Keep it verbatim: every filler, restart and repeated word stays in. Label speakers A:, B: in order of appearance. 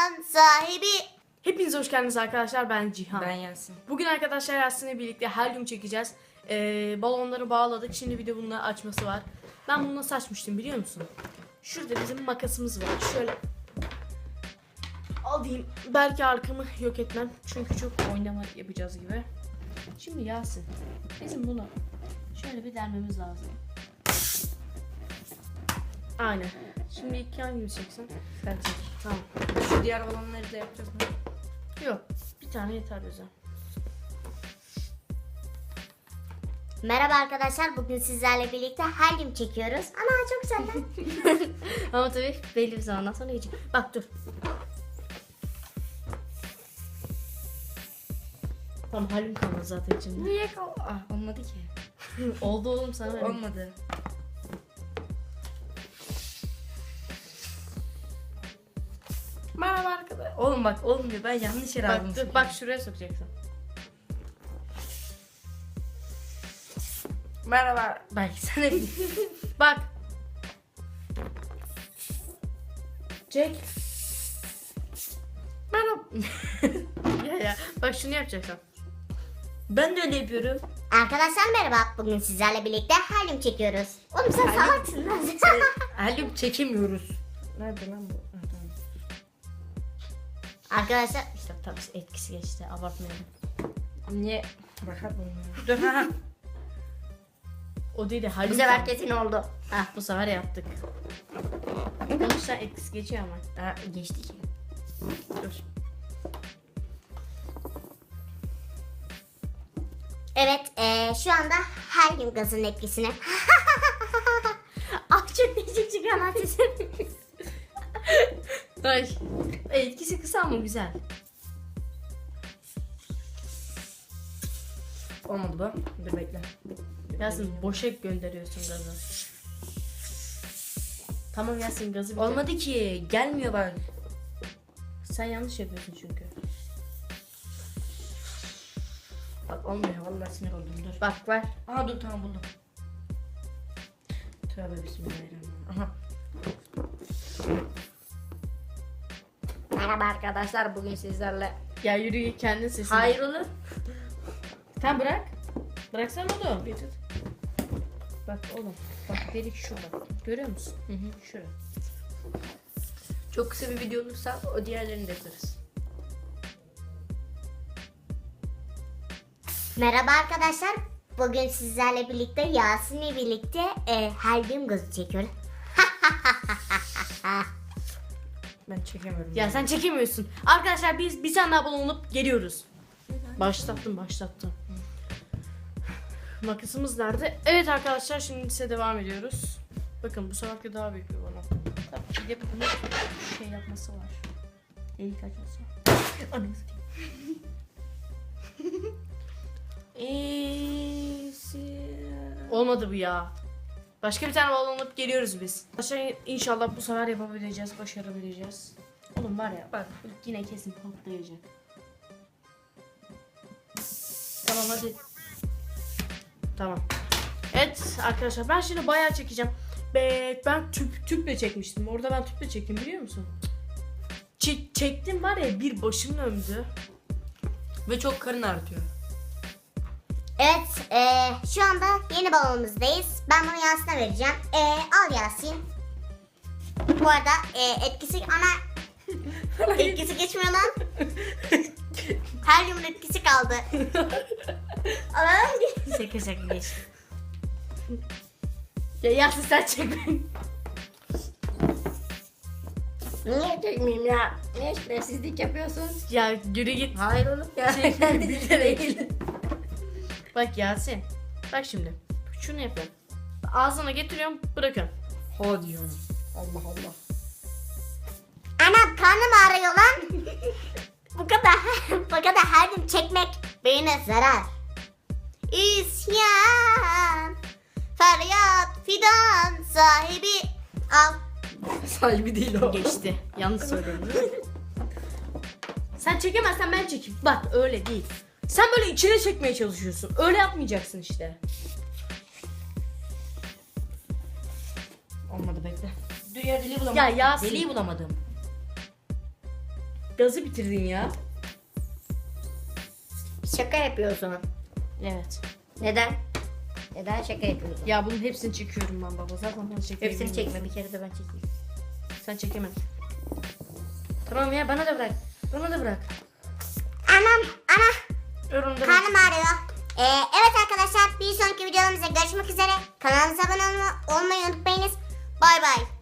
A: fidan sahibi.
B: Hepinize hoş geldiniz arkadaşlar, ben Cihan.
C: Ben Yasin.
B: Bugün arkadaşlar Yasin'le birlikte helyum çekeceğiz. Ee, balonları bağladık, şimdi bir de bununla açması var. Ben bunu nasıl açmıştım biliyor musun? Şurada bizim makasımız var, şöyle alayım, belki arkamı yok etmem çünkü çok oynama yapacağız gibi. Şimdi Yasin, bizim bunu şöyle bir delmemiz lazım. Aynen. Şimdi iki hangimiz çeksin?
C: Sen çek.
B: Tamam.
C: Şu diğer balonları da yapacağız mı?
B: Yok, bir tane yeter bize.
A: Merhaba arkadaşlar, bugün sizlerle birlikte helyum çekiyoruz. Ana çok güzel lan.
B: Ama tabii belli bir zamandan sonra yiyecek. Bak dur. Tamam, halim kalmadı zaten içinde.
C: Niye kal? Ah, olmadı ki.
B: Oldu oğlum, sana ver.
C: Olmadı. Merhaba arkadaşlar. Oğlum bak olmuyor, ben yanlış yere aldım.
B: Bak, dur, bak şuraya sokacaksın.
C: Merhaba. Belki sen de bil.
B: Bak. Çek.
C: Merhaba.
B: Ya ya. Bak şunu yapacaksın.
C: Ben de öyle yapıyorum.
A: Arkadaşlar merhaba, bugün sizlerle birlikte helyum çekiyoruz. Oğlum sen
C: Helyum-
A: salaksın lan.
C: Helyum çekemiyoruz. Nerede lan bu? Ha, tamam.
A: Arkadaşlar
B: İşte tabii etkisi geçti, abartmayalım.
C: Niye? Bakalım olmuyor. Dur ha.
B: O değil de
A: bu
B: halim
A: sefer
B: kalmadı.
A: kesin oldu.
B: Hah, bu sefer yaptık. Sonuçta etkisi geçiyor ama.
C: Ha, geçti ki.
B: Dur.
A: Evet, eee, şu anda helyum gazının etkisine. Ah çok değişik çıkan ateşim.
B: Ay. Etkisi kısa ama güzel.
C: Olmadı bu. Dur bekle.
B: Yasin boşa gönderiyorsun gazı. Tamam Yasin, gazı bitir.
C: Olmadı ki. Gelmiyor bak.
B: Sen yanlış yapıyorsun çünkü.
C: Bak olmuyor. Vallahi sinir oldum. Dur.
B: Bak ver.
C: Aha dur tamam buldum. Tövbe bismillahirrahmanirrahim. Aha. Merhaba arkadaşlar, bugün sizlerle.
B: Ya yürü, kendin sesini.
C: Hayır olur.
B: Sen bırak. Bıraksana oğlum.
C: Bir tut.
B: Bak oğlum. Bak delik şurada. Görüyor musun?
C: Hı hı.
B: Şurada.
C: Çok kısa bir video olursa o diğerlerini de yaparız.
A: Merhaba arkadaşlar, bugün sizlerle birlikte Yasin'le birlikte eee helyum gazı çekiyoruz.
C: Ben çekemiyorum.
B: Ya sen çekemiyorsun. Arkadaşlar biz bir tane abone olup geliyoruz. Başlattım başlattım. Makasımız nerede? Evet arkadaşlar, şimdi size devam ediyoruz. Bakın bu sefer daha büyük bir balon. Tabii ki de bunun şey yapması var. Delik açması. Ananı satayım. Olmadı bu ya. Başka bir tane balon alıp geliyoruz biz. Arkadaşlar inşallah bu sefer yapabileceğiz, başarabileceğiz. Oğlum var ya bak, yine kesin patlayacak. Tamam hadi. Tamam. Evet arkadaşlar, ben şimdi bayağı çekeceğim. Be, ben tüp tüple çekmiştim. Orada ben tüple çektim, biliyor musun? Çek, çektim var ya, bir başım döndü.
C: Ve çok karın ağrıtıyor.
A: Evet, eee, şu anda yeni balonumuzdayız. Ben bunu Yasin'e vereceğim. Eee, al Yasin. Bu arada eee, etkisi ana etkisi geçmiyor lan. Helyumun etkisi kaldı. Alalım.
B: Şaka şaka geç. Ya Yasin sen çek beni.
C: Niye çekmeyeyim ya? Niye şerefsizlik yapıyorsunuz?
B: Ya yürü git.
C: Hayır oğlum ya.
B: Çek.
C: Kendisi de değil.
B: Bak Yasin. Bak şimdi. Şunu yapıyorum. Ağzına getiriyorum, bırakıyorum.
C: Hadi ya. Allah Allah.
A: Anam karnım ağrıyor lan. bu kadar bu kadar helyum çekmek beyine zarar. İsyan, feryat, fidan sahibi. Al.
C: Sahibi değil o.
B: Geçti. Yanlış söyledim. Sen çekemezsen ben çekeyim. Bak öyle değil. Sen böyle içine çekmeye çalışıyorsun. Öyle yapmayacaksın işte.
C: Olmadı bekle. Dur ya, deliği bulamadım.
B: Ya Yasin.
C: Deliği bulamadım.
B: Gazı bitirdin ya.
C: Şaka yapıyor o zaman.
B: Evet.
C: Neden? Neden şaka yapıyorsun?
B: Ya bunun hepsini çekiyorum ben baba. Zaten ben çekeyim.
C: Hepsini çekme, bir kere de ben çekeyim.
B: Sen çekemem. Tamam ya, bana da bırak. Bana da bırak.
A: Anam ana
B: Yorumda bırak.
A: karnım ağrıyor. Ee, evet arkadaşlar bir sonraki videolarımızda görüşmek üzere. Kanalımıza abone olma- olmayı unutmayınız. Bay bay.